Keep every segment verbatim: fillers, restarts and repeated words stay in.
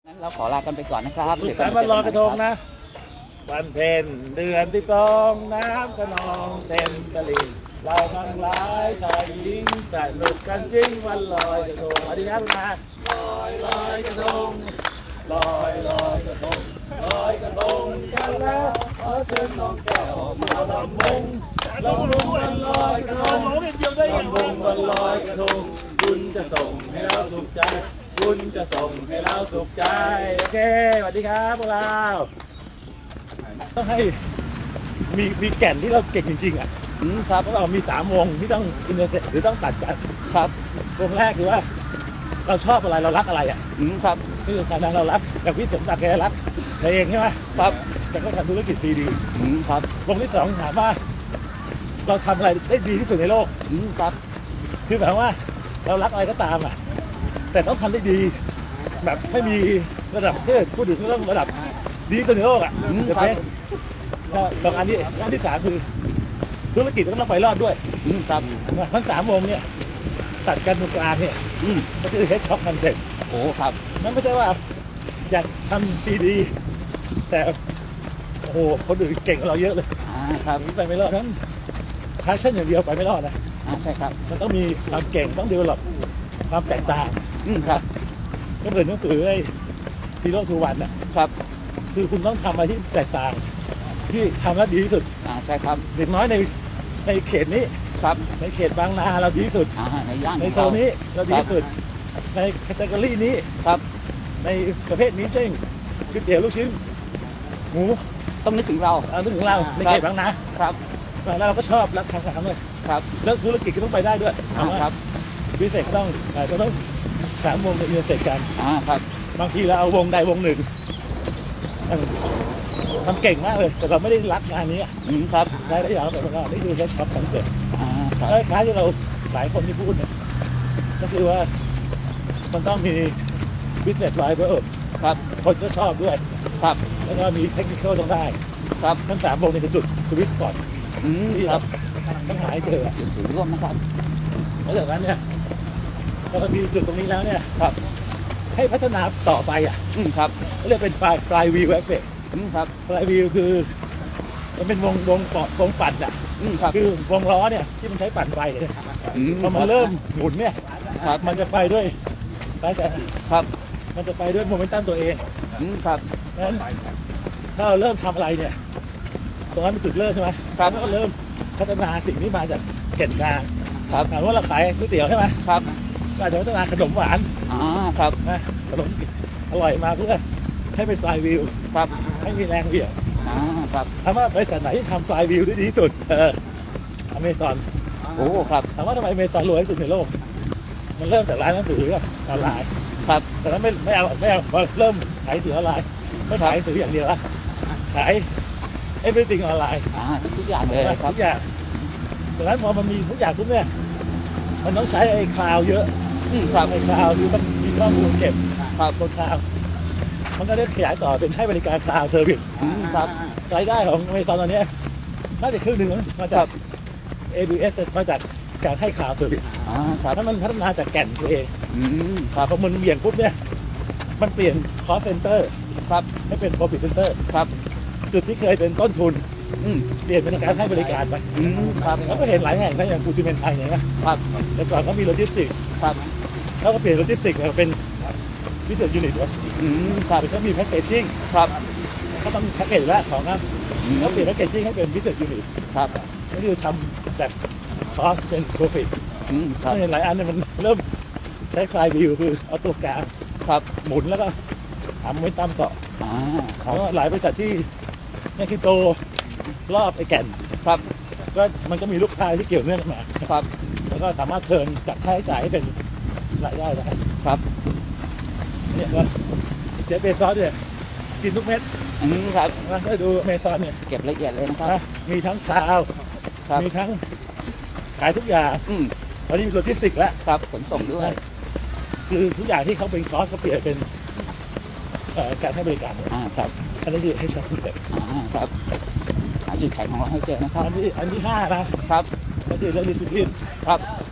งั้นเราขอลากันไปก่อนนะครับสุขสันต์วันลอยกระทงนะวันเพ็ญเดือนที่สองน้ำกระนองเต็มตลิ่งเราทั้งหลายชายหญิงสนุกกันจริงวันลอยกระทงสวัสดีครับคุณอาลอยลอยกระทงลอยลอยกระทงลอยกระทงกันแล้วขอเชิญน้องแก้วมาลำวงลำวงวันลอยกระทงลำวงวันลอยกระทงบุญจะส่งให้เราสุขใจบุญจะส่งให้เราสุขใจโอเคสวัสดีครับพวกเราต้องให้มีมีแก่นที่เราเก่งจริงๆอ่ะอืมครับพวกเรามีสามวงที่ต้องอินเตอร์เซ็ตหรือต้องตัดกันครับวงแรกคือว่า เราชอบอะไรเรารักอะไรอ่ะอืมครับนี่คือการนั้นเรารักอย่างพี่สมศักดิ์แกรักเพลงใช่ไหมครับแต่ก็ทำธุรกิจซีดีอืมครับวงที่สองถามว่า เราทำอะไรได้ดีที่สุดในโลกอืมครับคือหมายว่าเรารักอะไรก็ตามอ่ะแต่ต้องทำได้ดี แบบไม่มีระดับเทพพูดถึงก็ต้องระดับดีที่สุดในโลกอ่ะอืมเดอะครับเบสสองอันนี้อันที่สามคือธุรกิจก็ต้องไปรอดด้วยอืมครับทั้งสามวงเนี่ยตัดกันตรงกลางเนี่ยอืมก็คือเฮดช็อคคอนเซ็ปต์โอ้ครับมันไม่ใช่ว่าอยากทำซีดีแต่โอ้โหคนอื่นเก่งกว่าเราเยอะเลยอ่าครับไปไม่รอดนั้นพาชั่นอย่างเดียวไปไม่รอดนะอ่าใช่ครับมันต้องมีความเก่งต้องดีลลอปความแตกต่างอืมครับก็เหมือนหนังสือไอ้ซีโร่ทูวันน่ะครับคือคุณต้องทำอะไรที่แตกต่าง ที่ทำแล้วดีที่สุดอ่าใช่ครับเด็กน้อยในในเขตนี้ครับในเขตบางนาเราดีที่สุดอ่าในย่านในของโซเรานนี้เราดีที่สุดในแคตตากรีนี้ครับในประเภทนี้เช่นก๋วยเตี๋ยวลูกชิ้นหมูต้องนึกถึงเราเอานึกถึงเราในเขตบางนาครับแล้วเราก็ชอบรักทำงานด้วยครับแล้วธุรกิจก็ต้องไปได้ด้วยอ่าครับพิเศษก็ต้องเอ่อก็ต้องสามวงในอินเตอร์เซ็ตกันอ่าครับบางทีเราเอาวงใดวงหนึ่งเออทำเก่งมากเลย แต่เราไม่ได้รักงานนี้อืมครับได้ได้อย่างแบบว่านี่คือแค่ช็อปคอนเซ็ปต์อ่าครับแล้วคล้ายที่เราหลายคนที่พูดเนี่ยก็คือว่ามันต้องมี business driver ครับคนก็ชอบด้วยครับแล้วก็มีเทคนิคต้องได้ครับทั้งสามวงในจุดสวิตช์ก่อนอืมที่คเรารับต้องหาให้เจอจุดศูนย์ร่วมนะครับแล้วจากนั้นเนี่ยพอเรามีจุดตรงนี้แล้วเนี่ยครับให้พัฒนาต่อไปอ่ะอืมครับเขาเรียกเป็น fly fly wheel effect อืมครับ fly wheel คือมันเป็นวงวงปอดวงปั่นอ่ะอืมครับคือวงล้อเนี่ยที่มันใช้ปั่นไฟเนี่ยอืมพอมันเริ่มหมุนเนี่ยครับมันจะไปด้วยไปแต่ครับมันจะไปด้วยโมเมนตัมตัวเองอืมครับนั้นถ้าเราเริ่มทำอะไรเนี่ยตรงนั้นเป็นจุดเริ่มใช่ไหมครับแล้วก็เริ่มพัฒนาสิ่งที่มาจากแก่นกลางครับถามว่าเราขายก๋วยเตี๋ยวใช่ไหมครับก็อาจจะพัฒนาขนมหวานอ่าครับนะขนมอร่อยมาเพื่อให้เป็นฟลายวิวครับให้มีแรงเหวี่ยงอ่าครับถามว่าบริษัทไหนที่ทำฟลายวิวได้ดีที่สุดเอออเมซอนโอ้ครับถามว่าทำไมอเมซอนรวยที่สุดในโลก มันเริ่มจากร้านหนังสือกับออนไลน์ครับแต่นั้นไม่ไม่เอาไม่เอาพอเริ่มขายหนังสือออนไลน์ไม่ขายหนังสืออย่างเดียวละขาย everything ออนไลน์อ่าทุกอย่างเลยครับทุกอย่างดังนั้นพอมันมีทุกอย่างปุ๊บเนี่ยมันต้องใช้ไอ้คลาวเยอะอืมครับไอ้คลาวคือต้องมีข้อมูลเก็บครับบนคลาวมันก็ได้ขยายต่อเป็นให้บริการคลาวเซอร์วิสอืมครับรายได้ของอเมซอนตอนนี้น่าจะครึ่งหนึ่งมาจาก เอ บี เอส มาจากการให้คลาวเซอร์วิสอ่าครับถ้ามันพัฒนาจากแก่นตัวเองอืมครับพอมันเบี่ยงปุ๊บเนี่ยมันเปลี่ยนคอสเซนเตอร์ครับให้เป็น profit center ครับจุดที่เคยเป็นต้นทุนอืมเปลี่ยนเป็นการให้บริการไปอืมครับแล้วก็เห็นหลายแห่งนะอย่างปูซิเมนไทยเนี่ยนะครับ แต่ก่อนเขามีโลจิสติกส์ครับเขาก็เปลี่ยนโลจิสติกส์มาเป็นพิเศษยูนิตวะอืมครับเขามีแพ็กเกจจิ้งครับเขาต้องแพ็กเกจแล้วของครับอืมเขาเปลี่ยนแพ็กเกจจิ้งให้เป็นพิเศษยูนิตครับก็คือทำจากคอสเป็นโปรฟิตอืมครับเห็นหลายอันเนี่ยมันเริ่มใช้ไฟล์วิวคือเอาตัวกลางครับหมุนแล้วก็ทำไม่ตามเกาะอ่าครัแล้บวก็หลายบริษัทที่เนี่ยคือโตรอบไอ้แก่นครับก็มันก็มีลูกค้าที่เกี่ยวเนื่องกันมาครับแล้วก็สามารถเทิร์นจากค่าใช้จ่ายให้เป็นรายได้ได้ครับเนี่ยก็เจฟเบซอสเนี่ยกินทุกเม็ดอืมครับนะถ้าดูอเมซอนเนี่ยเก็บละเอียดเลยนะครับนะมีทั้งคลาวครับมีทั้งขายทุกอย่างอืมตอนนี้มีโลจิสติกส์แล้วครับขนส่งด้วยคือทุกอย่างที่เขาเป็นคอสเขาเปลี่ยนเป็นเอ่อการให้บริการหมดอ่าครับอันนี้คือให้ช็อปคอนเซ็ปต์อ่าครับหาจุดแข็งของเราให้เจอนะครับอันที่อันที่ห้านะครับ ก็คือเรื่องดิสซิปลินครับ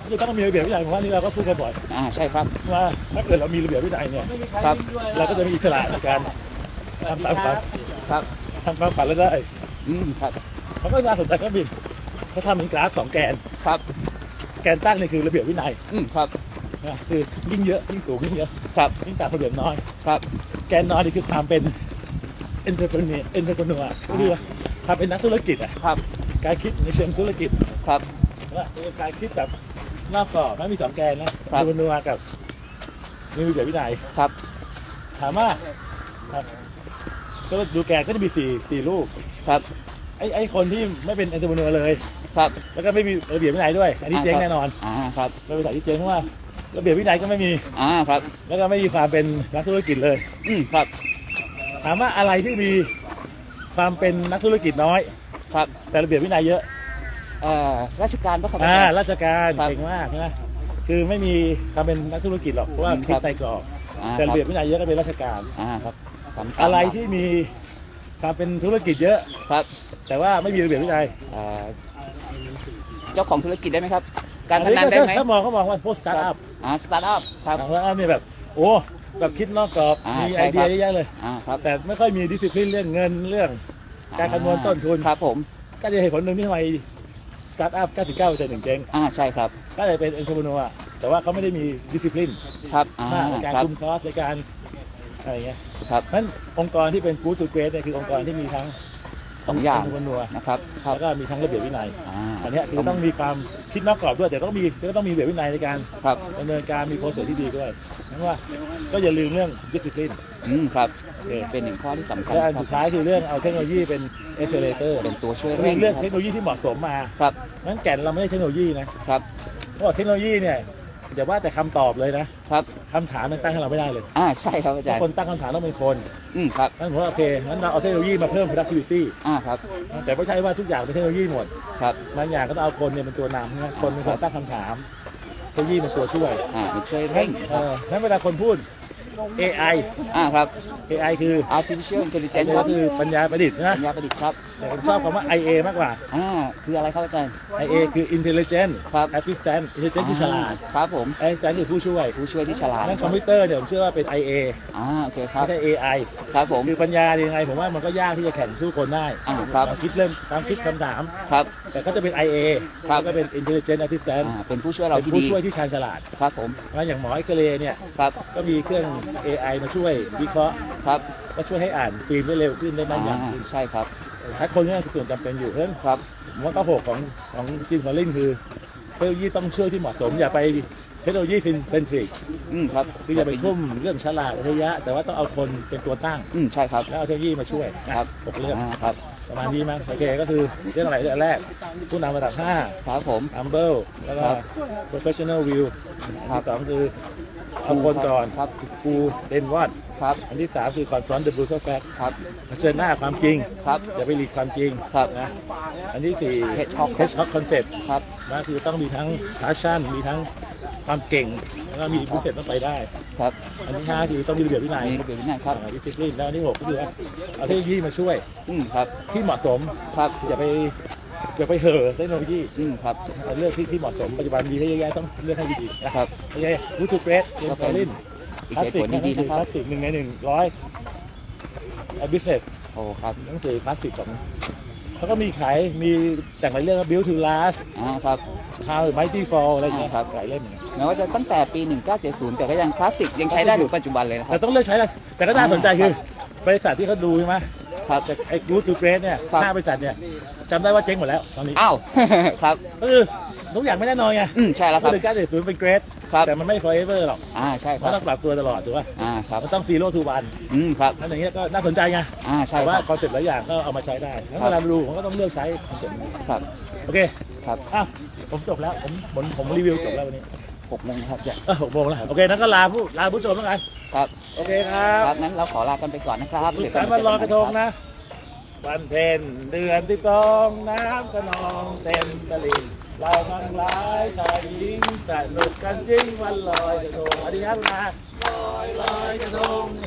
คือต้องมีระเบียบวินัยผมว่านี่เราก็พูดกันบ่อยอ่าใช่ครับว่าถ้าเกิดเรามีระเบียบวินัยเนี่ยครับเราก็จะมีอิสระในการทำตามฝันครับทำตามฝันแล้วได้อืมครับเขาก็น่าสนใจก็บินเขาทำเป็นกราฟสองแกนครับแกนตั้งนี่คือระเบียบวินัยอืมครับนะคือยิ่งเยอะยิ่งสูงยิ่งเยอะครับยิ่งตามระเบียบน้อยครับแกนน้อยนี่คือความเป็น entrepreneur entrepreneur ก็คือว่าความเป็นนักธุรกิจอ่ะครับการคิดในเชิงธุรกิจครับว่าคือการคิดแบบนอกกรอบนะมีสองแกนนะ entrepreneur กับมีระเบียบวินัยครับถามว่าครับก็ดูแกนก็จะมีสี่สี่รูปครับไอ้ไอ้คนที่ไม่เป็น entrepreneur เลยครับแล้วก็ไม่มีระเบียบวินัยด้วย อันนี้เจ๊งแน่นอนอ่าครับเป็นบริษัทที่เจ๊งเพราะว่าระเบียบวินัยก็ไม่มีอ่าครับแล้วก็ไม่มีความเป็นนักธุรกิจเลยอืมครับถามว่าอะไรที่มีความเป็นนักธุรกิจน้อยครับแต่ระเบียบวินัยเยอะเอ่อราชการปะครับอ่าอาจารย์ราชการครับเก่งมากนะคือไม่มีความเป็นนักธุรกิจหรอกเพราะว่าอืมคิดครับไตรกรอบอ่าแต่คระรับเบียบวินัยเยอะก็เป็นราชการอ่าครับสำคัญอะไรที่มีความเป็นธุรกิจเยอะครับแต่ว่าไม่มีระเบียบวินัยเอ่อเจ้าของธุรกิจได้ไหมครับ การพนันได้ไหมถ้ามองเขามองว่าพวกสตาร์ทอัพอ่าสตาร์ทอัพครับสตาร์ทอัพเนี่ยแบบโอ้แบบคิดนอกกรอบอ่ามีมีใช่ไอเดียครับเยอะแยะเลยอ่าครับแต่ไม่ค่อยมีดิสซิ p ลินเรื่องเงินเรื่องการคำนวณต้นทุนครับผมก็จะเหตุผลหนึ่งที่ทำไมสตาร์ทอัพ เก้าสิบเก้าเปอร์เซ็นต์ ถึงเจ๊งอ่าใช่ครับก็เลยเป็นเอ็นทร p นัวแต่ว่าเขาไม่ได้มีดิสซิ p ลินครับอ่ามากในการครับคุมคอสในการอะไรเงี้ยครับนั้นองค์กรที่เป็น good to great เนี่ยคือองค์กรที่มีทั้งสองอย่างเอ็นทร p นัวนะครับครับแล้วก็มีทั้งระเบียบวินัยอ่าอันเนี้ยคือต้องมีความคิดนอกกรอบด้วยแต่ต้องมีก็ต้องมีระเบียบวินัยในการครับดำเนินการมีโปรเซสที่ดีด้วยนั้นว่าก็อย่าลืมเรื่องดิสซิ p ลินอืมครับโอเคเป็นหนึ่งข้อที่สำคัญและอันครัสุบดท้ายคือเรื่องเอาเทคโนโลยีเป็น accelerator เป็นตัวช่วยเรื่เร่อง งเรื่องเทคโนโลยีที่เหมาะสมมาครับนั้นแก่นเราไม่ใช่เทคโนโลยีนะครับ เพราะว่าเทคโนโลยีเนี่ยอย่าว่าแต่คำตอบเลยนะครับ คำถามมันตั้งให้เราไม่ได้เลยอ่าใช่ครับอาเพจารราะย์คนตั้งคำถามต้องเป็นคนอืมครับนั่นผมว่าโอเคงั้นเราเอาเทคโนโลยีมาเพิ่ม productivity อ่าครับแต่ไม่ใช่ว่าทุกอย่างเป็นเทคโนโลยีหมดครับบางอย่างก็ต้องเอาคนเนี่ยเป็นตัวนำนะคนเป็นคนตั้งคำถามเทคโนโลยีเป็นตัวช่วยอ่าเป็นช่วยงั้เร่นงเอองั้นเวลาคนพูด เอ ไออ่าครับเอ ไอ คือ artificial intelligence คก็รับคือปัญญาประดิษฐ์นะปัญญาประดิษฐ์ครับแต่ผมชอบคำว่า ไอ เอ มากกว่าอ่าคืออะไรครับอาจารย์ไอ เอ คือ intelligent ครับ assistant intelligent คือฉลาดครับผม assistant คือผู้ช่วยผู้ช่วยที่ฉลาดนั่นคอมพิวเตอร์เนี่ยผมเชื่อว่าเป็น ไอ เออ่าโอเคครับไม่ใช่ เอ ไอครับผมคือปัญญายังไงผมว่ามันก็ยากที่จะแข่งสู้คนได้อ่าครับความคิดเริ่มความคิดคำถามครับแต่ก็จะเป็น ไอ เอครับแล้วก็เป็น intelligent assistant อ่าเป็นผู้ช่วยเราเป็นที่ผู้ดีช่วยที่ชาญฉลาดครับผมแล้วอย่างหมอเอ็กซเรย์เนี่ยครับก็มีเครื่อง เอ ไอ มาช่วยวิเคราะห์ครับก็ช่วยให้อ่านฟิล์มได้เร็วขึ้นได้อ่าแม่นยำขึ้นใช่ครับถ้าคนนี่คือส่วนจำเป็นอยู่เพราะฉะนั้นครับผมว่าข้อหกของของจิมคอลลินคือเทคโนโลยีต้องช่วยที่เหมาะสมอย่าไปเทคโนโลยีเซนทริกอืมครับคืออย่าไปทุ่มเรื่องฉลาดอัจฉริยะแต่ว่าต้องเอาคนเป็นตัวตั้งอืมใช่ครับแล้วเอาเทคโนโลยีมาช่วยนะครับ หกเรื่องอ่าครับประมาณนี้มั้งโอเคก็คือเรื่องอะไรเรื่องแรกผู้นำระดับห้าครับผม humble แล้วก็ครับ professional view ครัอันบที่สองคือเอาคนก่อนครับครูเดนวอดครับอันที่สามคือ confront the brutal fact ครับเผชิญหน้าความจริงครับอย่าไปหลีกความจริงครับนะอันที่สี่ Hedgehog hedgehog concept ครับนะคือต้องมีทั้ง passion มีทั้งความเก่ง แล้วก็มีพิเศษต้องไปได้ครับอันที่ห้าคือต้องมีระเบียบวินัยมีระเบียบวินัยครับดิสซิปลินแล้วอันที่หกก็คือว่าเอาเทคโนโลยีมาช่วยอืมครับที่เหมาะสมครับอย่าไปอย่าไปเห่อเทคโนโลยีอืมครับเลือกที่ที่เหมาะสมปัจจุบันมีให้เยอะแยะต้องเลือกให้ดีๆนะครับ โอเควูทูเกรสเจมส์คอลลินอีกคลาสเหตุสิกผลหนังดีสืๆอนะคครับ ลาสสิกหนึ่งในหนึ่งร้อยบิสเนสโอ้ครับหนังสือคลาสสิกของเขาก็มีขายมีแต่งหลายเรื่องว่า Build to Last อ่าครับ How Mighty Fall อะไรอย่างเงี้ยอ่าครับหลายเล่มเหมือนกันแม้ว่าจะตั้งแต่ปี หนึ่งเก้าเจ็ดศูนย์ แต่ก็ยังคลาสสิกยังใช้ได้ถึงปัจจุบันเลยนะคแต่รับต้องเลือกใช้นะแต่ก็น่าสนใจคือบริษัทที่เขาดูใช่ไหมครับจากไอ้ Good to Great เนี่ยครับห้าบริษัทเนี่ยจำได้ว่าเจ๊งหมดแล้วตอนนี้อ้าว ครับก็คือทุกอย่างไม่แน่นอนไงอืมใช่แล้วครับหนึ่งเก้าเจ็ดศูนย์เป็นเกรดครับแต่มันไม่ forever หรอกอ่าใช่คมัรันบต้องปรับตัวตลอดถูกป่ะอ่าครับมันต้อง zero to one อืมครับนั่นอย่างเงี้ยก็น่าสนใจไงอ่าใช่แต่คว่ารับคอนเซ็ปต์หลายอย่างก็เอามาใช้ได้แล้วครัเวบลาดูผมก็ต้องเลือกใช้คอนเซ็ปต์นี้ครับโอเคครับอ้าวผมจบแล้วผมผมผมรีวิวจบแล้ววันนี้หกโมงครับจะเออหกโมงแล้วโอเคนั้นก็ลาผู้ลาผู้ชมแล้วกันครับโอเคครับครับนั้นเราขอลากันไปก่อนนะครับสุขเดี๋ยวสันต์วันลอยกระทงนะ วันเพ็ญเดือนที่สองน้ำขนองเต็มตลิ่งเราทั้งหลายชายหญิงสนุกกันจริงวันลอยกระทงสวัสดีครับนะลอยลอยกระทง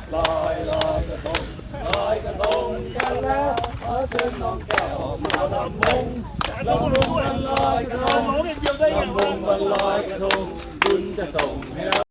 ลอยลอยกระทงลอยกระทงกันแล้วขอเชิญน้องแก้วมาลำวงลำวงวันลอยกระทงลำวงวันลอยกระทงคุณจะส่งให้เรา